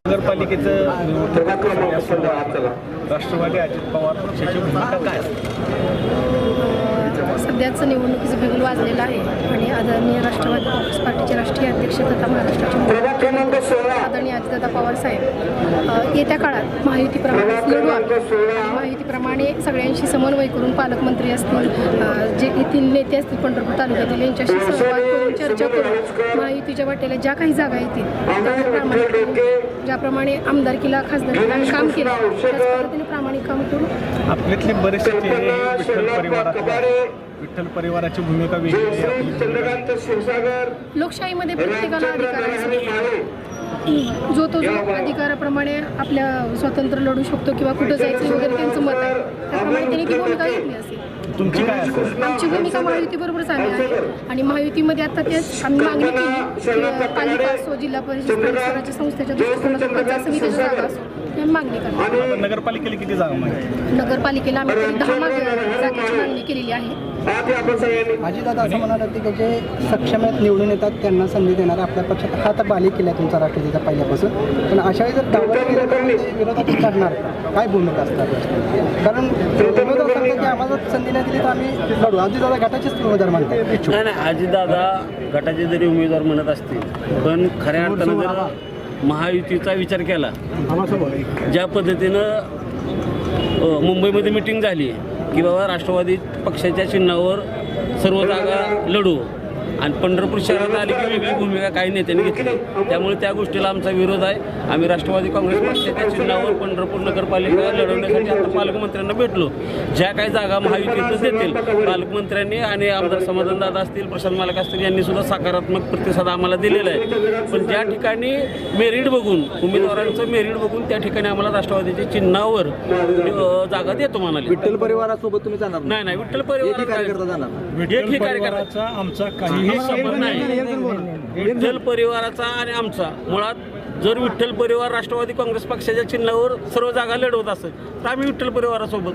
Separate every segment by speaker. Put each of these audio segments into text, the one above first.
Speaker 1: नगरपालिकेचं राष्ट्रवादी अजित पवार पक्षाची भूमिका काय
Speaker 2: सध्याचं निवडणुकीचं बिगुल वाजलेलं आहे आणि आदरणीय राष्ट्रवादी काँग्रेस पार्टीचे राष्ट्रीय अध्यक्ष तथा महाराष्ट्राचे मुख्यमंत्री आदरणीय अजितदादा पवार साहेब येत्या काळात महायुतीप्रमाणे लढू आहे. महायुतीप्रमाणे सगळ्यांशी समन्वय करून पालकमंत्री असतील, जे येथील नेते असतील पंढरपूर तालुक्यातील यांच्याशी संवाद करून चर्चा करून महायुतीच्या वाटेला ज्या काही जागा येतील ज्याप्रमाणे आमदारकीला खासदारकीला काम केलं त्याच पद्धतीने प्रामाणिक काम करून
Speaker 1: आपल्यातले बरेचसे चेहरे विठ्ठल परिवाराची भूमिका वेगळी आहे.
Speaker 2: लोकशाहीमध्ये प्रत्येकाला अधिकार आहे. जो अधिकाराप्रमाणे आपल्या स्वतंत्र लढू शकतो किंवा कुठं जायचं वगैरे त्यांचं मत आहे, त्याप्रमाणे त्यांनी ती भूमिका घेतली असेल.
Speaker 1: तुमची काय असेल?
Speaker 2: आमची भूमिका महायुतीबरोबरच आली आहे आणि महायुतीमध्ये आता तेच आम्ही मागणी केली की पालिका असो, जिल्हा परिषद स्वराज्य संस्थेच्या दृष्टिकोनातून पंचायत समितीच्या जागा असो ही मागणी करतो.
Speaker 1: नगरपालिकेला किती जागा मागणी?
Speaker 2: नगरपालिकेला आम्ही तरी 10 जागेची मागणी केलेली आहे.
Speaker 3: अजितदादा असं म्हणाले की जे सक्षम आहेत निवडून येतात त्यांना संधी देणार आपल्या पक्षात हा तर बाली केला तुमचा राष्ट्रवादीचा पहिल्यापासून, पण अशा वेळी जर डावललं गेलं तर विरोधात करणार काय भूमिका असतात? कारण उमेदवार सांगतात की आम्हाला संधी नाही दिली तर आम्ही लढू. अजितदादा गटाचेच उमेदवार म्हणतात.
Speaker 4: नाही, अजितदादा गटाचे जरी उमेदवार म्हणत असतील पण खऱ्या अर्थानं जर महायुतीचा विचार केला, ज्या पद्धतीनं मुंबईमध्ये मिटिंग झाली की बाबा राष्ट्रवादी पक्षाच्या चिन्हावर सर्व जागा लढू आणि पंढरपूर शहरात आली की वेगळी भूमिका काही नेत्यांनी घेतली, त्यामुळे त्या गोष्टीला आमचा विरोध आहे. आम्ही राष्ट्रवादी काँग्रेस पक्षाच्या चिन्हावर पंढरपूर नगरपालिका लढवण्यासाठी आता पालकमंत्र्यांना भेटलो. ज्या काही जागा महायुतीतच देतील पालकमंत्र्यांनी आणि आमदार समाधानदादा असतील, प्रशांत मालक असतील यांनी सुद्धा सकारात्मक प्रतिसाद आम्हाला दिलेला आहे. पण ज्या ठिकाणी मेरिट बघून उमेदवारांचं मेरिट बघून त्या ठिकाणी आम्हाला राष्ट्रवादीच्या चिन्हावर जागा देतो म्हणाले.
Speaker 3: विठ्ठल परिवारासोबत तुम्ही जाणार
Speaker 4: नाही, विठ्ठल परिवार
Speaker 1: विठ्ठल परिवाराचा आमचा काही संबंध नाही.
Speaker 4: विठ्ठल परिवाराचा आणि आमचा मुळात जर विठ्ठल परिवार राष्ट्रवादी काँग्रेस पक्षाच्या चिन्हावर सर्व जागा लढवत असेल तर आम्ही विठ्ठल परिवारासोबत,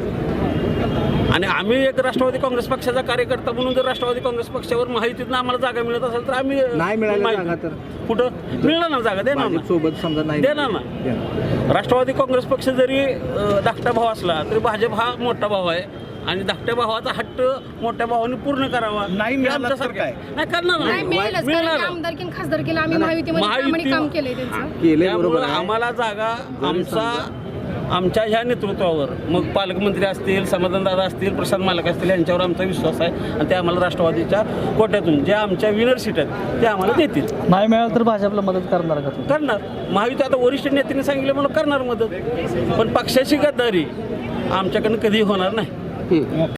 Speaker 4: आणि आम्ही एक राष्ट्रवादी काँग्रेस पक्षाचा कार्यकर्ता म्हणून जर राष्ट्रवादी काँग्रेस पक्षावर माहितीतनं आम्हाला जागा मिळत असेल तर आम्ही
Speaker 3: नाही मिळाली तर
Speaker 4: कुठं मिळणार ना जागा, देणार ना
Speaker 3: सोबत समजा नाही
Speaker 4: देणार ना. राष्ट्रवादी काँग्रेस पक्ष जरी धाकटा भाव असला तरी भाजप हा मोठा भाव आहे आणि धाकट्या भावाचा हट्ट मोठ्या भावाने पूर्ण करावा.
Speaker 1: नाही मिळालं तर काय?
Speaker 4: नाही करणार
Speaker 2: मिळेलच. आमदारकीन खासदारकीला आम्ही महायुतीमध्ये प्रामाणिक काम केलंय त्यांचं.
Speaker 4: त्यामुळे आम्हाला जागा आमच्या ह्या नेतृत्वावर, मग पालकमंत्री असतील, समाधानदादा असतील, प्रशांत मालक असतील यांच्यावर आमचा विश्वास आहे आणि ते आम्हाला राष्ट्रवादीच्या कोट्यातून ज्या आमच्या विनर सीट आहेत ते आम्हाला देतील.
Speaker 3: नाही मिळालं तर भाजपला मदत करणार का?
Speaker 4: करणार. महायुती आता वरिष्ठ नेत्यांनी सांगितलं म्हणून करणार मदत, पण पक्षाची गद्दारी आमच्याकडनं कधीही होणार नाही.